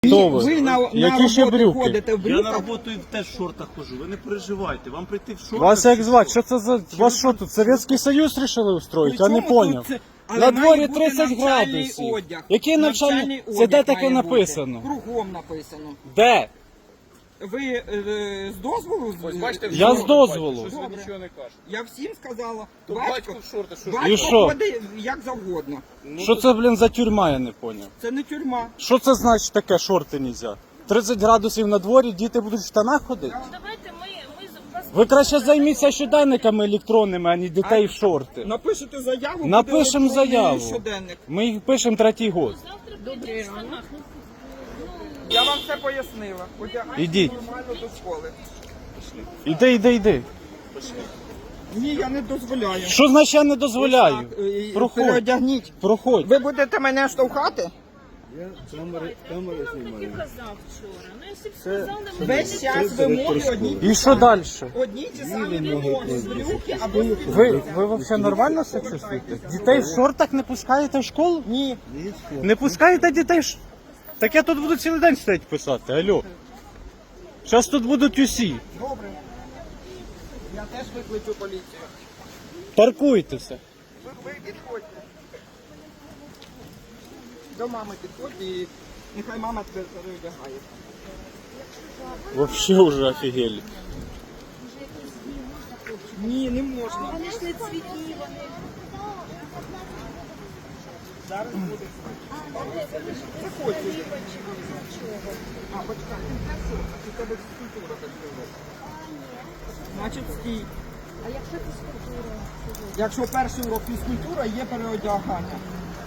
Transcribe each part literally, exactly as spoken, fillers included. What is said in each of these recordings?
Хто ви? Ви на, на Які ще роботу брюки? ходите в Я на брюках? роботу і теж в шортах хожу, ви не переживайте, вам прийти в шортах. Вас як чи звати? що? Що це за... Вас що тут, Совєтський Союз рішили устроїти? Я не Причому тут поняв. це- але На має дворі бути тридцять навчальний градусів. одяг. Який навчальний? Це де одяг таке має бути. написано? Кругом написано. Де? Ви е, з дозволу? Ось бачите, Я в з шортах дозволу. бачите, Щось ви Добре. нічого не кажете. Я всім сказала. То Батько, батько в шортах, що ж батько І що? ходить як завгодно. Що це, блін, за тюрма, я не поняв. Це не тюрма. Що це значить таке, шорти нельзя? тридцять градусів на дворі, діти будуть в штанах ходити? Давайте ми, ми з вас... Ви краще займіться щоденниками електронними, а не дітей в шорти. Напишете заяву, Напишемо буде електронний заяву. щоденник. Ми їх пишемо третій год. Завтра прийдемо в штанах. Ну, Я вам все пояснила. Одягайтеся Ідіть. нормально до школи. Іди, іди, іди. Ні, я не дозволяю. Що значить я не дозволяю? Ось так, е, Проходь. Переодягніть. Проходь. Ви будете мене штовхати? камери, камери знімаю. Хто казав вчора? Ну, якщо б сказали, ми Весь час вимоги одні ті І що самі. далі? Одні ті самі вимоги. Брюки або Ви, ви взагалі нормально себе чувствуєте? Дітей в шортах не пускаєте в школу? Ні. Не пускаєте дітей? в ш- Так я тут буду цілий день стоять писати, алло. Зараз тут будуть усі. Добре. Я теж викличу поліцію. Паркуйтеся. Ви, ви підходьте. До мами підходьте і нехай мама тебе переодягає. Вообще уже офігели. Ні, не можна. Вони ж не цвітні, вони... Зараз буде. Заходьте. А, почекай, ти для що? У тебе фізкультура так сказати. Значить, стій. А якщо фізкультура? Якщо перший урок фізкультура, є переодягання.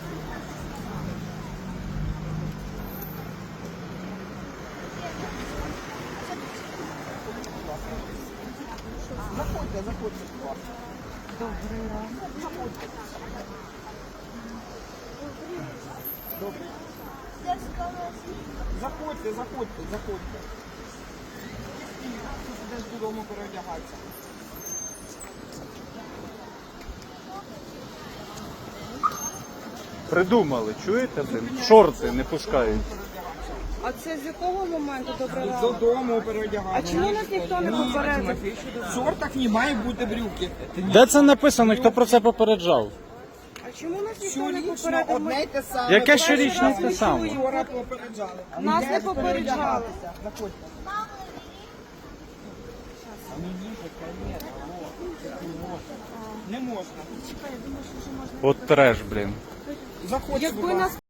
Заходьте, заходьте, будь ласка. Добрий ранок. Заходьте. Добрий. Заходьте, заходьте, заходьте. Десь додому переодягатися. Придумали, чуєте, блин? Шорти не пускають. А це з якого моменту добре рано? Додому переодягатися. А чому нас ніхто не попередив? В шортах не має бути брюки. Де це написано, хто про це попереджав? А чому нас ніхто не Щорічно попередив? одне й те саме. Яке Перший щорічно раз те ми саме? Вчора попереджали. Нас Йдеш не попереджали. переодягатися. Заходьте. Не можна. От треш, блін. Заходьте, будь Якби ласка. нас